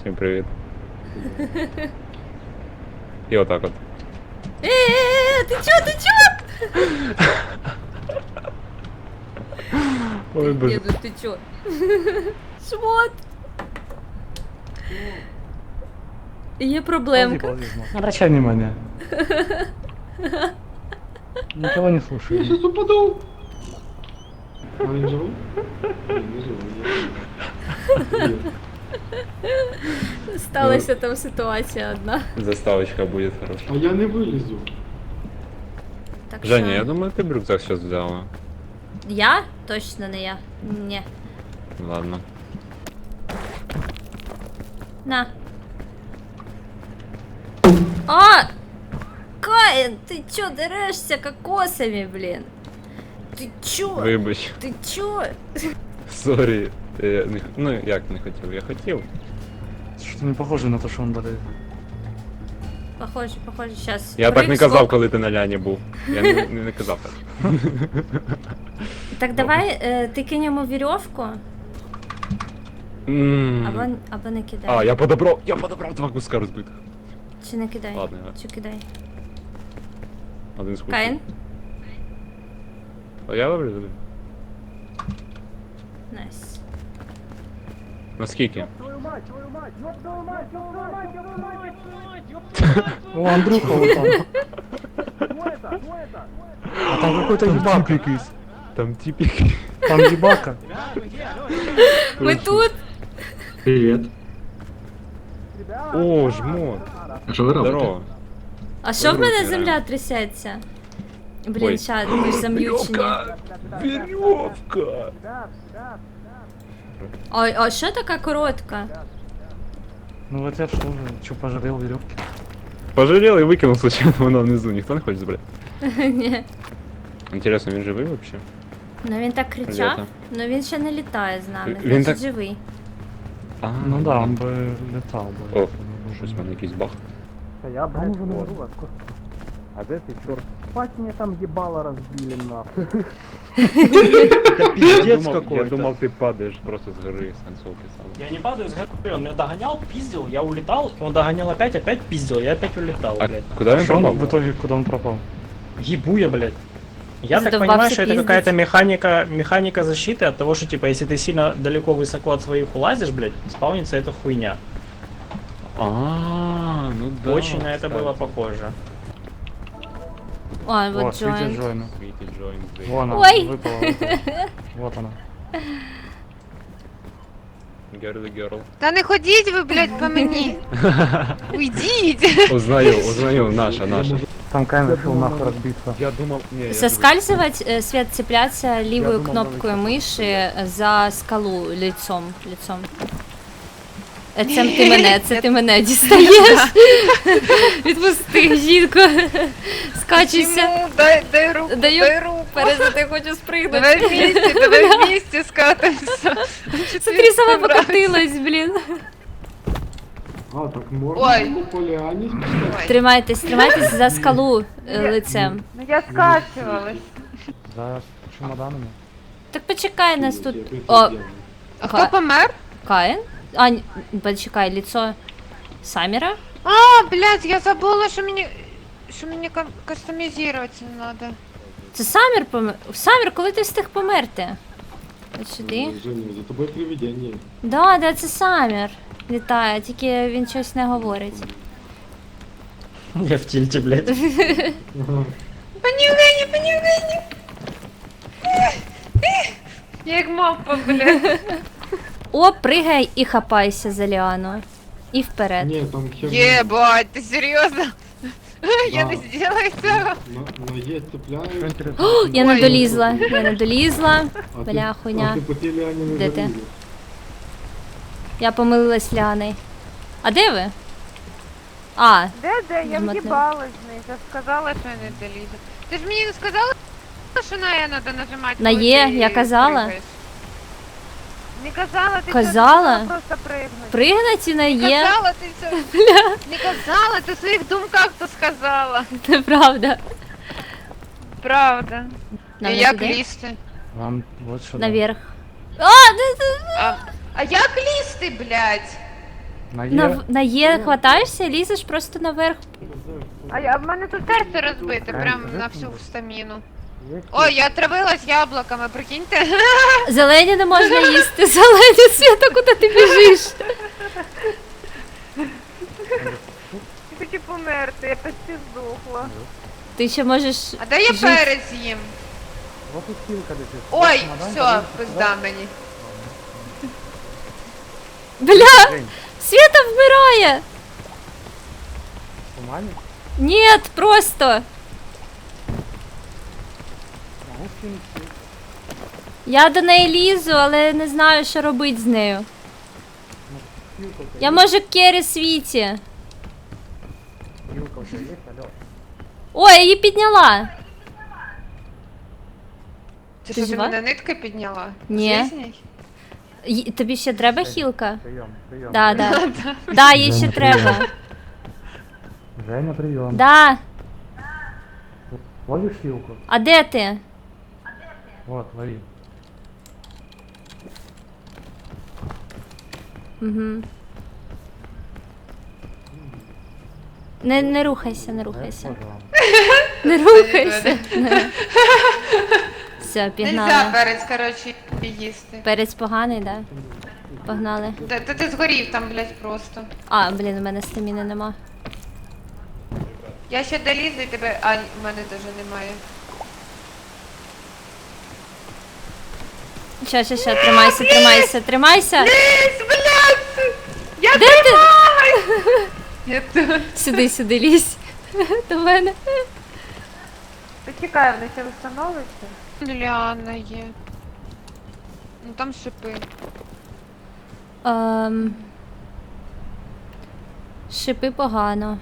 Всім привіт. І отак от. Ти чо? Ой, боже. Деду, ти чо? Шмот. Є проблемка. Не обращай внимания. Никого не слушай. Я сейчас упаду. А они живут? Не живут. Сталася там ситуація одна. Заставочка буде хороша. А я не вылезу. Так Женя, що- я думаю, ти б рюкзак зараз взяла. Я? Точно не я. Ні. Ладно. На. А! Каин, ты чё дерешься кокосами, блин? Ты чё? Вибач. Ты чё? Сорі. Я не... Ну, як не хотів? Я хотів. Что-то не похоже на то, что он дарит. Похоже, сейчас. Я так не казав, коли ти на ляні був. Я не казав так. Так давай, ти кинь йому вірьовку, або не кидай. А, я подобрав два куска розбитих. Чи не кидай? Ладно, Чи кидай? Один з кусків. Каїн? А я добре? Найс. Наскільки? О, Андрюха вот там. А там какой-то ебак якийсь. Там типік. Там ебака. Ми тут! Привет. О, жмот. А что вы робите? Здорово. А що в мене Руки земля реально. трясеться? Ой. Блін, ща, ми ж зам'ючені. Веревка! А що така коротка? Ну вот я что же, что пожалел веревки. Пожалел и выкинул случайно вона внизу. Ніхто не хоче забрати. Ні. Интересно, він живий вообще? Ну він так кричав, Лето. ну він ще не літає з нами, Він значить так- живий. А, Ну да, он бы летал бы. О, щось в мене якийсь баг. Я там уже не могу вас. А де ти, чорт? Спать мне там ебало разбили нахуй. Я думав, ти падаєш просто з гори з концовки сам. Я не падаю с горы, он меня догонял, пиздил, я улетал, он догонял опять пиздил, я опять улетал, А блядь. куди він Что он пропав? в итоге, куда он пропал? Ебу я, блядь. Я так Задолбался понимаю, что это пиздить. какая-то механика защиты от того, что, типа, если ты сильно далеко высоко от своих улазишь, блядь, спаунится эта хуйня. А, ну да. Очень на это кстати. было похоже. О, Вот, вот видите, joint. Джойна. Світі Джойн, здесь. Вон она, Ой. выпала. Вот она. Girl, girl. Та не ходіть ви, блядь, по мені. Уйдіть. Узнаю, наша. Там Кайн решил нахуй разбиться. Я думав, ні, я Соскальзывать, Свет, цепляться лівою думав, кнопкою навіть миші за скалу лицом. Це ти мене дістаєш. Відпусти, жінко. Скачуйся. Чому? Дай руку, Даю дай руку. Перед ти хочу спригнути. Давай вместе скатимося. Смотри, сама покатилась, блін. А, так можно Ой. на поляне спускаться? Тримайтесь за скалу лицем. Ну я скачувалась. За чемоданами. Так почекай нас тут. Я это О, сделаю. А хто помер? Каїн? А, почекай, лицо Саміра? А, блядь, я забула, що мені кастомізувати надо. Це Самір помер. Самір, коли ти встиг померти? От сюди. Женя, за тобой привидение. Да, це Самір. Літає, тільки він щось не говорить. Я в тильте, блядь. Понюхай. Я як мавпа, блядь. О, пригай і хапайся за ліану. І вперед. Не, там херня. Єбать, ти серйозно? Я Да. не сделаю цього. На Е Что цепляют. интересно? Я не Ой. долізла. А ты- Бля, хуйня. А ты по теле они не Где ты? залезли. Я помилилась Ліаною. А де ви? А, Де? Я Змотнув. в'їбалась з нею. Я сказала, що я не долізу. Ти ж мені не сказала, що на Е треба нажимати? На коли Е ти я казала. пригаєш? Не казала, ти Казала? що, ти просто пригнути. пригнати на є. Казала, ти все. Не казала, ти в своїх думках то сказала. Це правда. Правда. Нам І не як туди? лізти? Вам вот сюда. Наверх. А як лізти, блядь? На На, Е. на Є хватаєшся, лізеш просто наверх. А в мене тут серце розбите, прям Кажи, на кажи. всю стаміну. Є Ой, я отравилась яблуками, прикиньте. Зелені не можна їсти, зелені, Свята, куди ти біжиш? Я хочу померти, я почти здохла. Ти ще можеш. А де я жити. перець їм? Вот тут хілка летить. Ой, Чемодан, все, подивись, пизда мені. Бля, Жень, Свята вмирає! в тумані? Ні, просто. Могу скинути. Я до неї лізу, але не знаю, що робити з нею. Хілка у тебе Я можу Кері світі. є? Хілка у тебе є? Алло. Ой, я її підняла. Ти Ти що, ти жива? мене нитки підняла? Ні. Звісній? Тобі ще треба хілка? Прийом, прийом. Да, да. Да, їй ще треба. Женя, прийом. Да. Ловиш хілку? А де ти? Вот, лови. Угу. Не рухайся, не рухайся. Тоже вам. Не рухайся. Все, Нельзя пігнали. перець, коротше, їсти. Перець поганий, да? Погнали. Та ти згорів там, блядь, просто. А, блін, у мене стаміни нема. Я ще долізу і тебе... А, в мене теж немає. Ща, тримайся, тримайся, тримайся. Лізь, блядь! Я Де ти? Я тут. Сюди лізь. До мене. Почекай, вони ще встановиться. Ліана є. Ну там шипи. Шипи погано.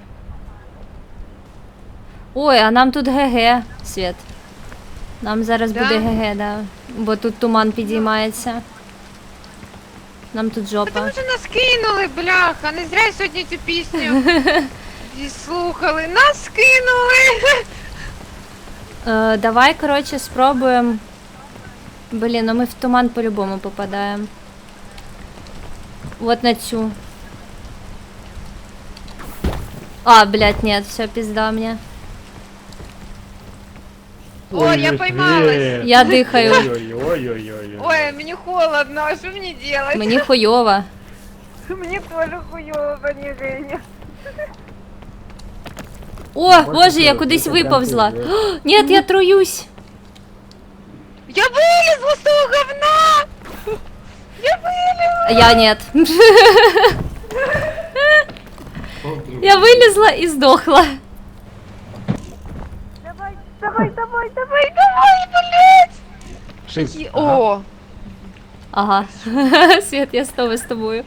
Ой, а нам тут ГГ, Світ. Нам зараз Да? буде ГГ, да. Бо тут туман підіймається. Нам тут Тому жопа. що нас кинули, бляха. Не зря сьогодні цю пісню слухали. Нас кинули. Давай, коротше, спробуємо. Блін, ну ми в туман по-любому попадаємо. Вот на цю. А, блядь, нет, все, пизда мне. Ой, я поймалась. Я дихаю. Ой-ой-ой-ой-ой. Ой, мені холодно, а що мені делать? Мені хуйово. Мені теж хуйово, пані Женя. О, боже, я кудись виповзла. О, ні, я труюсь. Я вилізла з того говна! Я вилізла! Я нет. Я вилізла і здохла. Давай, блядь! Шиз. О! Ага. Світ, я з тобою.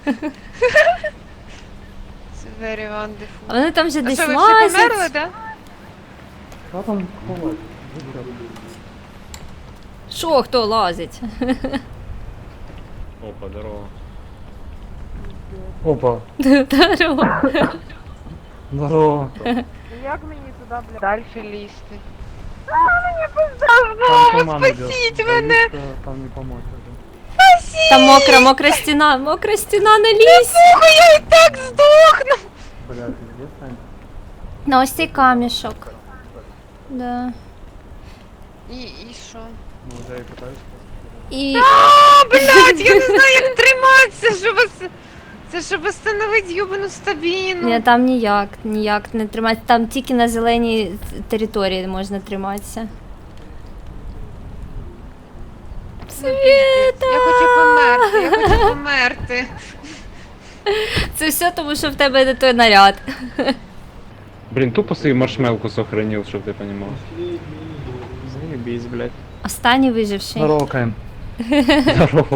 Це very wonderful. А вони там вже А десь що, ви всі померли, лазять. да? Що там ховати? Що, хто лазить? Опа, здорово. Опа. Здорово. Здорово. Як мені туди, блядь? Дальше лізти. Там туман идет. Спасіть мене! Там не помочь уже. Там мокра стіна, не лізь. Я і так здохну! Бля, ты где Сань? На ось цей камішок. Да. І що? Ну, уже и пытаюсь. І А, блядь, я не знаю, як триматися, щоб... Це щоб встановити юбану стабіну. ні, там ніяк не триматися. Там тільки на зеленій території можна триматися. Світа! Я хочу померти. Це все тому, що в тебе не той наряд. Блин, тупо свою маршмелку сохранил, чтобы ты понимал. Заебись, блядь. Останній виживший. Здорово, Кайм. Здорово.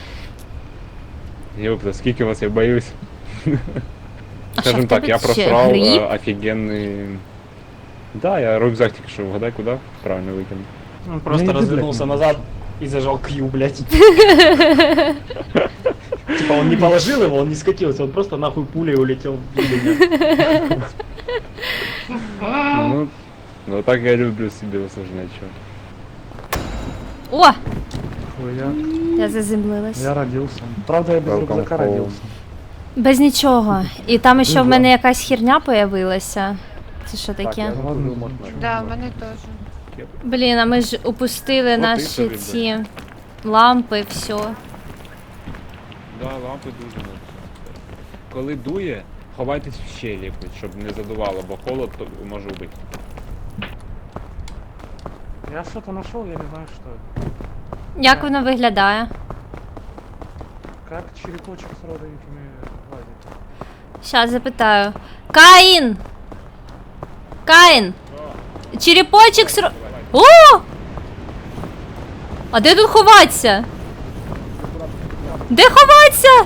Ёпта, скільки вас я боюсь. А що, Скажем в так, тебе я ще просрал гриб? офигенный... Да, я рюкзак только что угадай куда, правильно выкинул. Он просто иди, развернулся блядь. назад и зажал Q, блядь. Типа он не положил его, он не скатился, он просто нахуй пулей улетел в меня. Ну так я люблю себе усложнять, чё. О! Хуя. Я заземлилась. Я родился. Правда, я без Welcome рюкзака home. родился. Без нічого. І там ще в Ну, мене да. якась херня появилася. Це що Так, таке? я зрозумів, можна. Да, в мене теж. Блін, а ми ж упустили От і наші собі, ці лампи, все. Да, лампи дуже надо. Коли дує, ховайтесь в щелі, щоб не задувало, бо холод то може вбити. Я что-то нашел, я не знаю что это. Як воно виглядає? Как черепочек с родовиками гладить. Щас запитаю. Каїн! Каїн! Черепочек сро... О! А де тут ховатися? Де ховатися?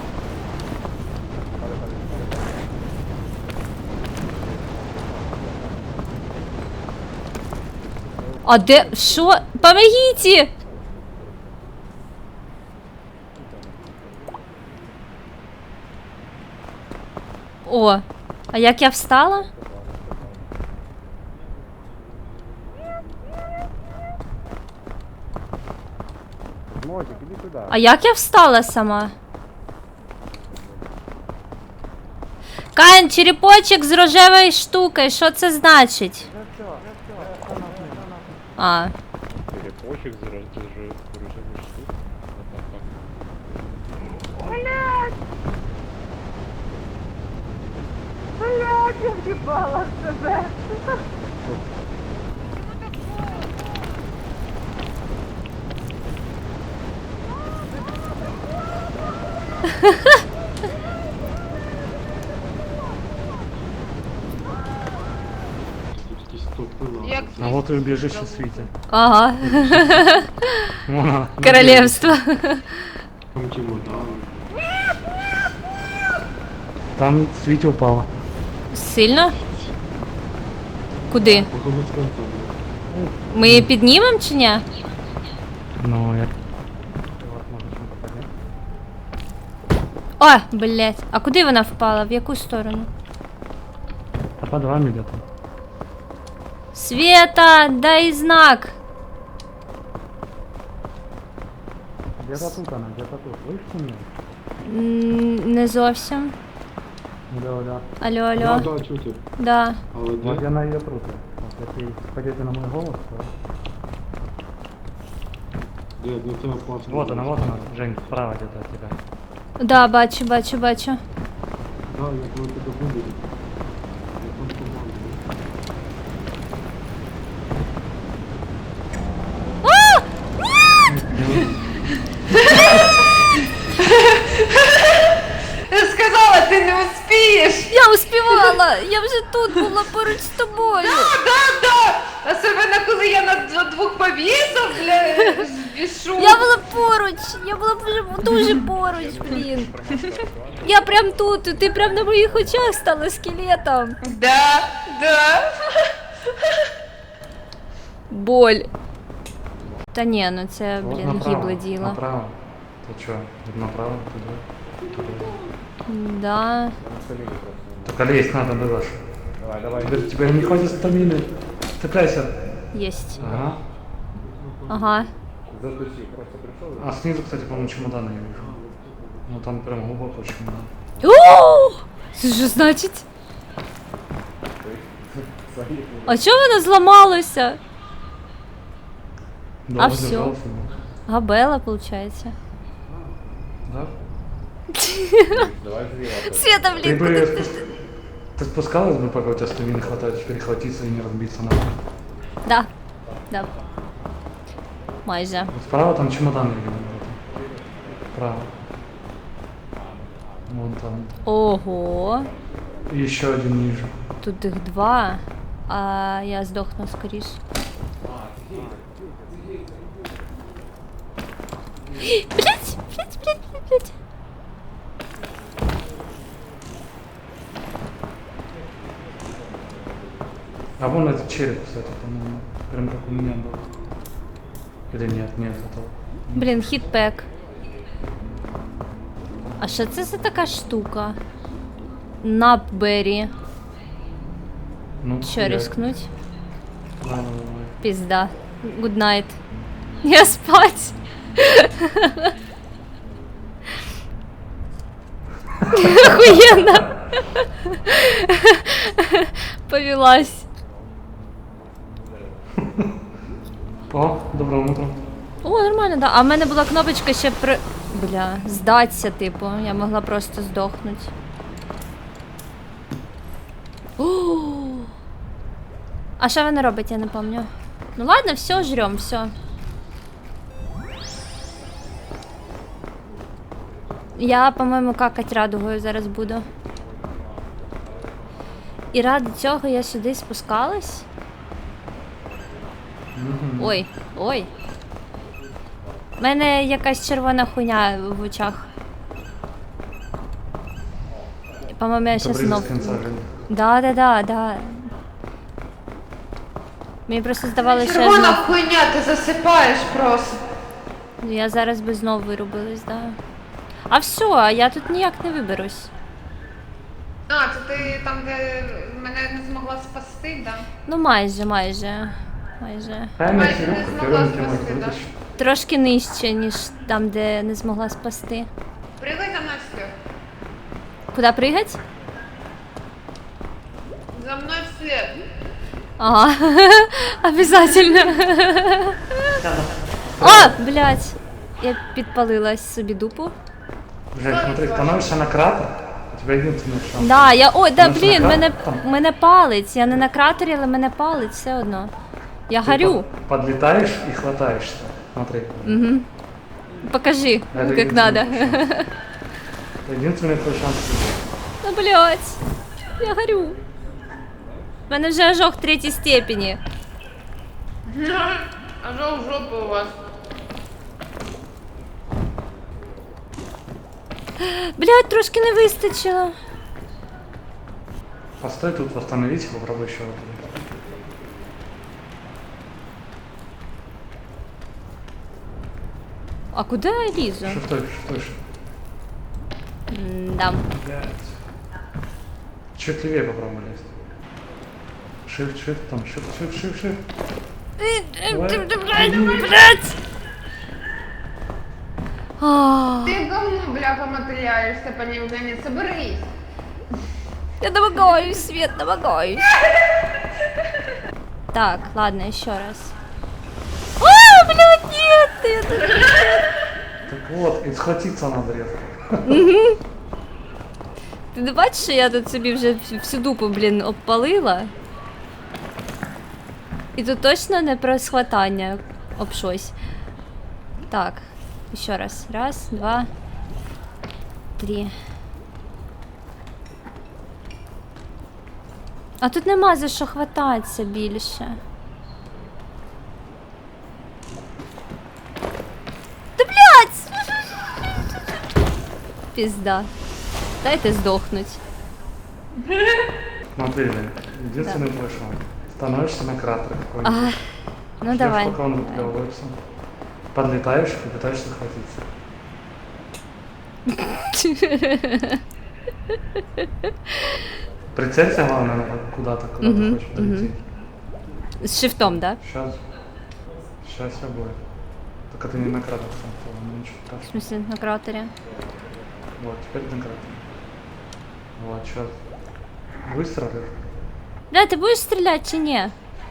А де? Що? Помогите! О, а як я встала? Мотик, іди туди. А як я встала сама? Каїн, черепочок з рожевою штукою, що це значить? А, Черепочек з рожевою штукою. Тут якісь стопи Як лампи. А вот и убежище Свити. ага. Вон она. Королевство. Там чемодан. Там Свити упала. Сильно? Куди? Походу з конца. Ми її піднімемо чи ні? Ну, я... О, блять. А куди вона впала? В яку сторону? А под вами где-то. Света, дай знак. Где-то тут она, где-то тут. Слышите меня? Не зовсім. Да, да. Алло, Да, алло. да, чути. Да. Але Вот де? я на ее труте. Вот если пойдете на мой голос, то... Де? Ну це опасно. Вот она, Жень, справа где-то от тебя. Да, бачу, бачу, бачу. Да, як ви тебе будете. Я там команду. Сказала, ти не успієш! Я успівала! Я вже тут була поруч з тобою. Да! Особливо, коли я на двох повісов, бля, бішу. Я була поруч, я була вже дуже поруч, блін. Я прям тут, і ти прям на моїх очах стала скелетом. Да. Боль. Та ні, ну це, Вот блін, направо, гібле діло. Направо. Ты чё? Направо, туда. Да. Только лезть надо было. Давай, давай. Тебе не хватит стамины. Цепляйся. Єсть. Ага. Ага. Затусив, просто прийшов. А снизу, кстати, по-моему, чемоданы я вижу. Ну там прям глубоко чемодан. О! Це що значить? А чого воно зламалося? Да, всё. держался, Габела, виходить. да? Давай зліва. Света, Ты блін, бы куди ти? ты спускалась бы, пока у тебя стамины хватает, перехватиться и не разбиться на. Да. Да. Майже. Вот справа там чемодан я видел. Справа. Вон там. Ого. И еще один ниже. Тут їх два, а я здохну скоріш. Блять. А вон этот череп, кстати, по-моему. Прям как у меня был. Или нет, нет, это... Блін, хітпек. А що це за така штука? Напбері. Ну, Що, я- рискнуть? Давай. Пізда. Good night. Я спать. Охуєнно. Повелась. О, доброго утра. О, нормально, да. А в мене була кнопочка ще при... Бля, здаться, типу. Я могла просто здохнути. О! А що вона робить, я не пам'ятаю. Ну ладно, все, жрем, все. Я, по-моєму, какать радугою зараз буду. І ради цього я сюди спускалась. Ой, ой. У мене якась червона хуйня в очах. По-моєму, я щас Добрый знов... с конца жили. Да. Мені просто здавалося, що я Червона знов... хуйня, ти засипаєш просто. Я зараз би знов вирубилась, да. А все, а я тут ніяк не виберусь. А, це ти там, де мене не змогла спасти, да? Ну майже. Дай мне Майже сироп, не который змогла он тебе спасти, да? вытащит. Трошки нижче, ніж там, де не змогла спасти. Пригай за мною вслед. Куди пригать? За мною вслед. Ага, обязательно. О, блядь. Я підпалилась собі дупу. Жень, смотри, становишься на кратер, у тебя единственный шанс. Да, я. Ой, да Становишься блін, на мене, кратер, там мене палить. Я не на кратері, але мене палить все одно. Я ты горю. Подлетаешь и хватаешься. Смотри. Угу. Покажи, Это как надо. Это единственный твой шанс. Ну, блядь. Я горю. У мене вже ожог 3 степені. А жов жопу у вас. Блядь, трошки не вистачило. Постой тут, восстановись, попробуй еще раз. А куди я лізу? Шифтой. Да. Блядь. Чуть левее попробуй лезть. Shift, там, shift. Блядь! А, Ти говно, бляха, мотиляєшся, пані Євгенія, соберись. я домогаюсь, Свет, домогаюсь. Так, ладно, еще раз. А, блядь, нет! Я тут- Так вот, и схватиться надо резко. Ти не бачиш, що я тут собі вже всю дупу, блін, обпалила? І тут точно не про схватання об щось. Так, ще раз. Раз, два, 3. А тут нема за що хвататися більше. Та блядь! Пізда. Дайте здохнуть. Смотри, Жень, единственный твой шанс. Становишься на кратер какой-нибудь. А, ну Ждёшь, давай. пока он выплевывается. Подлетаешь и пытаешься схватиться. Прицелься, главное, куда-то, куда ты хочешь долететь. З шифтом, да? Сейчас все будет. Только ты не на кратер сам, ну ничего В страшного. смысле, на кратері. Вот, теперь на кратер. Вот, сейчас. Выстрелишь. Бля, ти будеш стріляти чи ні?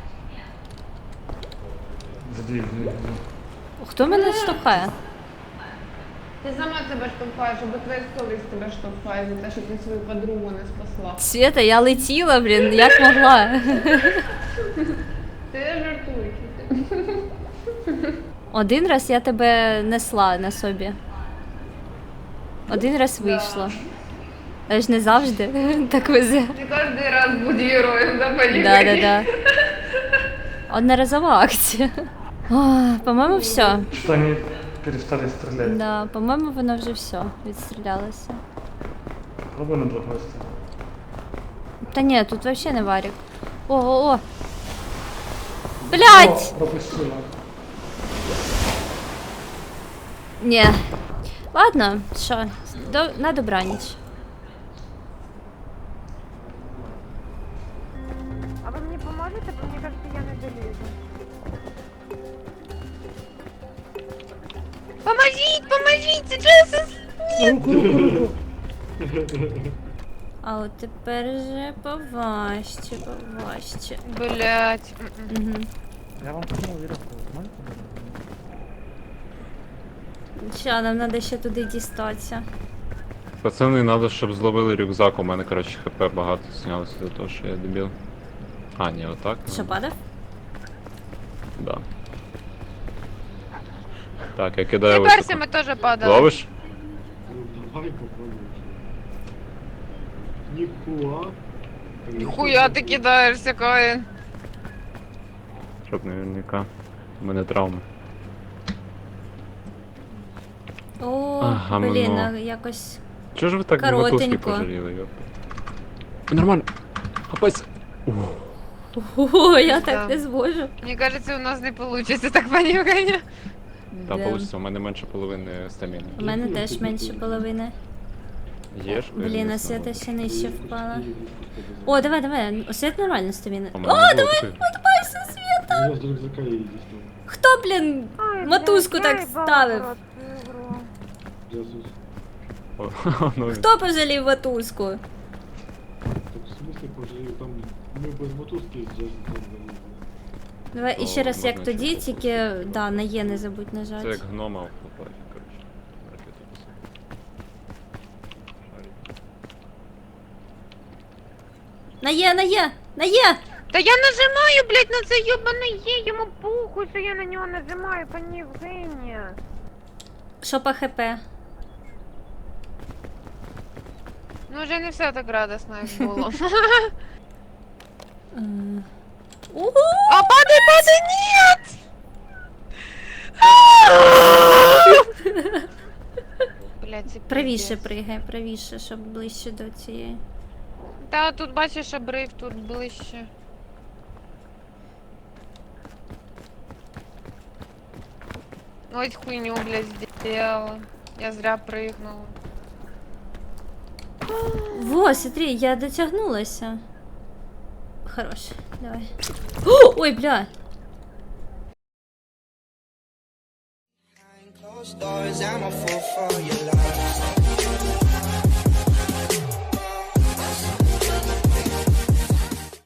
Сдвиг. Хто мене штовхає? Ти сама себе штовхаєш, або твоя совість тебе штовхає за те, що ти свою подругу не спасла. Света, я летіла, блін, як могла. Ти жартуєш. Один раз я тебе несла на собі. Один раз вийшло. Але ж не завжди так везе. Не кожен раз будь героєм, да, пані Да. Євгенія? Одноразова акція. О, по-моєму, все. Что они перестали стрелять. Да, по-моєму, воно вже все відстрілялося. Попробуй на другой стороне. Та ні, тут вообще не варік. О. Блять! О, пропустила. Ні. Ладно, що, на добраніч. А ви мені поможете? Бо мені кажется, я не долізу. Поможіть, це Джесус! А от тепер же поважче, поважче. Блять. Угу. Я вам кинув вірьовку, можете? Ща, нам треба ще туди дістатися. Пацани, треба, щоб зловили рюкзак. У мене, коротше, хп багато знялося за того, що я дебіл. А, ні, отак. Що, падав? Да. Так, я кидаю Не високо. перся, ми теж падали. Ловиш? Ну, давай попробуем. Нихуя. Ніхуя ти кидаєшся, Каїн. Щоб наверняка. У мене травми. О, Ага, блін, ну. а якось. Чого ж ви так мотузки Коротенько. пожаліли, йоп? Нормально. Хапайся. Ого, я Да. так не зможу. Мені кажеться, у нас не вийде так понюхання. Та Да. получиться, у мене менше половини стаміни. У мене теж менше половини. Є ж? Блін, а свята ще нижче впала. О, давай, давай. Свят нормально стаміна. О, О, давай! Подбайся, Свята! Я с рюкзака едешь там. Хто, блін, мотузку так ставив? Джасус. Ну, Хто пожалів мотузку? Так в смысле пожалею, там мы без мотузки с Джасусом залезли. Давай То іще раз, як можна тоді, ще тільки, да, на Є не забудь це нажати. як гнома в Флопафі, коротше. Ракету писав. Шарик. На Є, на Є, на Є! Та я нажимаю, блядь, на це йобане є, йому похуй, що я на нього нажимаю, пані Євгенія. Що по ХП? Ну вже не все так радосно, як було. Угу! А падай, падай, нет! Блядь, це Правіше пиздец. пригай, правіше, щоб ближче до цієї. Та тут бачиш обрив, тут ближче. Ось хуйню, блядь, сделала. Я зря прыгнула. Во, смотри, я дотягнулася. Хорош, давай. О, ой, бля! Closed doors, I'm a fool for your love.